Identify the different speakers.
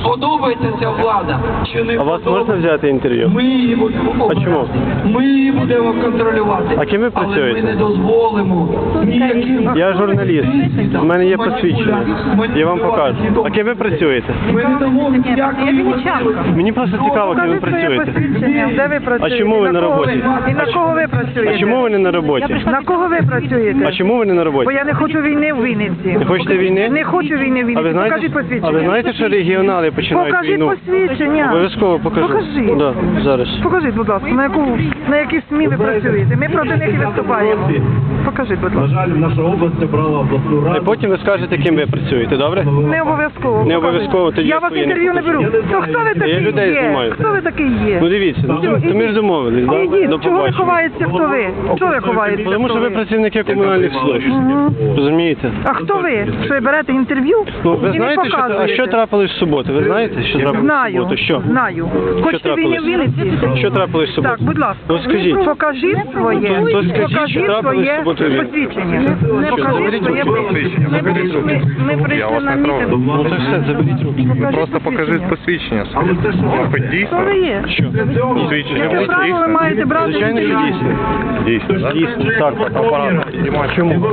Speaker 1: подобається ця влада, чи не
Speaker 2: А вас
Speaker 1: подобається.
Speaker 2: можна взяти інтерв'ю?
Speaker 1: Ми її будемо обирати.
Speaker 2: чому?
Speaker 1: Ми її будемо контролювати.
Speaker 2: А ким ви працюєте?
Speaker 1: Але ми не дозволимо ніяким...
Speaker 2: Я журналіст. У мене є посвідчення. Я вам покажу. А ким ви працюєте?
Speaker 1: Ми не дамо ніякої можливості.
Speaker 2: Мені просто цікаво, ким ви працюєте.
Speaker 3: Де ви працюєте?
Speaker 2: А чому ви на
Speaker 3: кого
Speaker 2: роботі?
Speaker 3: І на кого ви працюєте?
Speaker 2: А чому ви не на роботі?
Speaker 3: На кого ви працюєте?
Speaker 2: А чому ви не на
Speaker 3: Бо
Speaker 2: роботі?
Speaker 3: я не хочу війни в Вінниці.
Speaker 2: Не хочете війни?
Speaker 3: Не хочу війни в Вінниці.
Speaker 2: А ви
Speaker 3: Покажіть
Speaker 2: знаєте,
Speaker 3: посвідчення.
Speaker 2: що регіонали починають
Speaker 3: Покажіть
Speaker 2: війну?
Speaker 3: посвідчення.
Speaker 2: Обов'язково покажу.
Speaker 3: Покажіть.
Speaker 2: Да, зараз.
Speaker 3: Покажіть, будь ласка, на які СМІ ви працюєте. Ми проти них і виступаємо. Покажіть, будь
Speaker 4: На
Speaker 3: ласка.
Speaker 4: жаль, наша область обрала обласну
Speaker 2: І
Speaker 4: раду.
Speaker 2: потім ви скажете, ким ви працюєте, добре?
Speaker 3: Не обов'язково.
Speaker 2: Не обов'язково, тоді
Speaker 3: Я
Speaker 2: я
Speaker 3: вас
Speaker 2: своє не
Speaker 3: інтерв'ю не беру.
Speaker 2: покажу.
Speaker 3: То хто ви такий
Speaker 2: Я людей
Speaker 3: є?
Speaker 2: знімаю.
Speaker 3: Хто ви такий є?
Speaker 2: Ну дивіться, то ми ж домовились, да?
Speaker 3: Ідіть,
Speaker 2: До
Speaker 3: чого ви
Speaker 2: побачення.
Speaker 3: ховаєтеся, хто ви? Чого ви ховаєтеся?
Speaker 2: Тому що
Speaker 3: хто
Speaker 2: ви працівники комунальних служб. Розумієте?
Speaker 3: А хто ви? Що ви берете інтерв'ю
Speaker 2: Ну, ви
Speaker 3: і не
Speaker 2: знаєте, що, а
Speaker 3: показуєте?
Speaker 2: що трапилось в суботу? Ви знаєте, що трапилось в
Speaker 3: Знаю,
Speaker 2: суботу? Що?
Speaker 3: знаю. Хочете війни в Вінниці?
Speaker 2: Що трапилось в суботу?
Speaker 3: Так, будь ласка.
Speaker 2: Ну скажіть.
Speaker 3: Покажіть своє,
Speaker 2: То скажіть, що трапилось в суботу.
Speaker 3: посвідчення. Покажіть своє посвідчення. Ми прийшли на мітинг.
Speaker 2: Ну то все, заберіть руки.
Speaker 5: Просто покажіть посвідчення своє. Хоч дійсно?
Speaker 3: Хто ви є?
Speaker 2: Що?
Speaker 5: Посвідчення
Speaker 3: Яке право ви маєте брати?
Speaker 2: Звичайно, що
Speaker 3: інтерв'ю?
Speaker 2: дійсно.
Speaker 5: Дійсно, так?
Speaker 2: Дійсно, так. Чому?